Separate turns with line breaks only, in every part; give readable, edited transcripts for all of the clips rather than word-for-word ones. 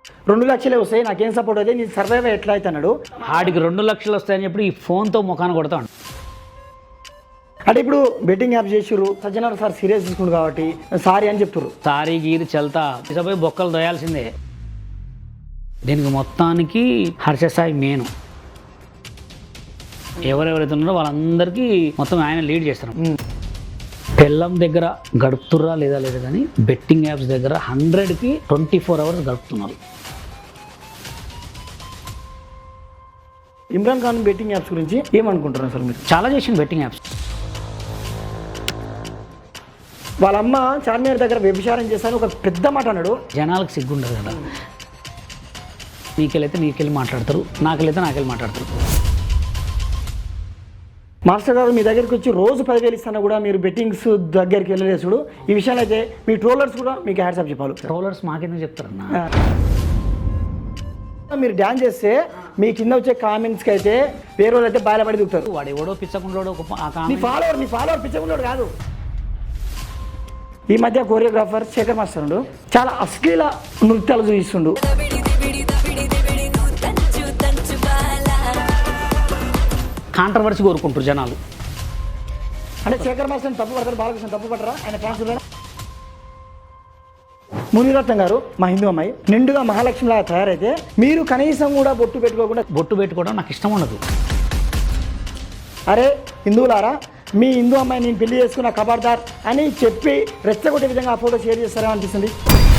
2 లక్షలే వస్తాయి నాకేం సపోర్ట్ అయితే నీ సర్వైవ్ ఎట్లా అయితే అన్నాడు.
ఆడికి 2 లక్షలు వస్తాయని చెప్పి ఈ ఫోన్తో ముఖాన్ని కొడతాడు.
అంటే ఇప్పుడు బెట్టింగ్ యాప్ చేసిర్రు, సజ్జనారు సార్ సీరియస్ తీసుకుంటు కాబట్టి సారీ అని చెప్తుర్రు.
సారీ గీరి చల్తా తీసుకుపోయి బొక్కలు దోయాల్సిందే. దీనికి మొత్తానికి హర్షసాయి మెయిన్. ఎవరెవరైతే ఉన్నారో వాళ్ళందరికీ మొత్తం ఆయన లీడ్ చేస్తారు. పెళ్ళం దగ్గర గడుపుతుర్రా లేదా కానీ బెట్టింగ్ యాప్స్ దగ్గర 100కి 24 అవర్స్ గడుపుతున్నారు.
ఇమ్రాన్ ఖాన్ బెట్టింగ్ యాప్స్ గురించి ఏమనుకుంటున్నారు అసలు మీరు?
చాలా చేసింది బెట్టింగ్ యాప్స్.
వాళ్ళ అమ్మ చార్మినార్ దగ్గర వ్యభిచారం చేశాను ఒక పెద్ద మాట అన్నాడు.
జనాలకు సిగ్గుండదు కదా, నీకెళ్ళి మాట్లాడతారు, నాకెళ్ళి మాట్లాడతారు.
మాస్టర్ గారు మీ దగ్గరికి వచ్చి రోజు 10,000 ఇస్తాను కూడా మీరు బెట్టింగ్స్ దగ్గరికి వెళ్ళలేసుడు. ఈ విషయాలు అయితే మీ ట్రోలర్స్ కూడా మీకు హ్యాట్సాప్ చెప్పాలి.
ట్రోలర్స్ మాకెందుకు చెప్తారన్నా?
మీరు డ్యాన్స్ చేస్తే మీ కింద వచ్చే కామెంట్స్కి అయితే వేరే వాళ్ళు అయితే బయలుపడి దిగుతారు.
వాడు ఎవడో పిచ్చకుండోడు
మీ ఫాలోవర్ పిచ్చకుండోడు కాదు. ఈ మధ్య కోరియోగ్రాఫర్ శేఖర్ మాస్టర్ ఉండు చాలా అశ్లీల నృత్యాలు చూపిస్తుండు.
కాంట్రవర్సీ కోరుకుంటారు జనాలు.
అంటే శేఖర్ మాస్టర్ తప్పు పడతారు, బాలకృష్ణ తప్పు పడరా? ఆయన ఫ్యాన్స్ మునిరత్నం గారు మా హిందూ అమ్మాయి నిండుగా మహాలక్ష్మిలాగా తయారైతే మీరు కనీసం కూడా బొట్టు పెట్టుకోవడం నాకు ఇష్టం ఉండదు. అరే హిందువులారా, మీ హిందూ అమ్మాయి నేను పెళ్లి చేసుకున్న ఖబర్దార్ అని చెప్పి రెచ్చగొట్టే విధంగా ఆ ఫోటో షేర్ చేస్తారా అనిపిస్తుంది.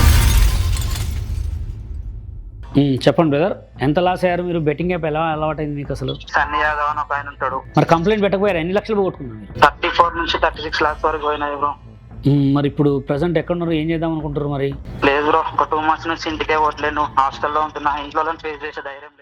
చెప్పండి బ్రదర్, ఎంత లాస్ అయ్యారు మీరు? బెట్టింగ్ యాప్ ఎలా అలవాటైంది మీకు అసలు?
సన్నీ యాదవ్ అని ఒక ఆయన ఉంటాడు.
మరి కంప్లైంట్ పెట్టకపోయారు? ఎన్ని లక్షలు పోగొట్టుకున్నారు మీరు?
34 నుంచి 36 lakhs వరకు పోయినాయి బ్రో.
మరి ఇప్పుడు ప్రెసెంట్ ఎక్కడున్నారు, ఏం చేద్దాం అనుకుంటారు మరి?
లేదు బ్రో, ఒక 2 months నుంచి ఇంటికే పోవట్లేను, హాస్టల్లో ఉంటున్నా. ఇంట్లో ఫేస్ చేసే ధైర్యం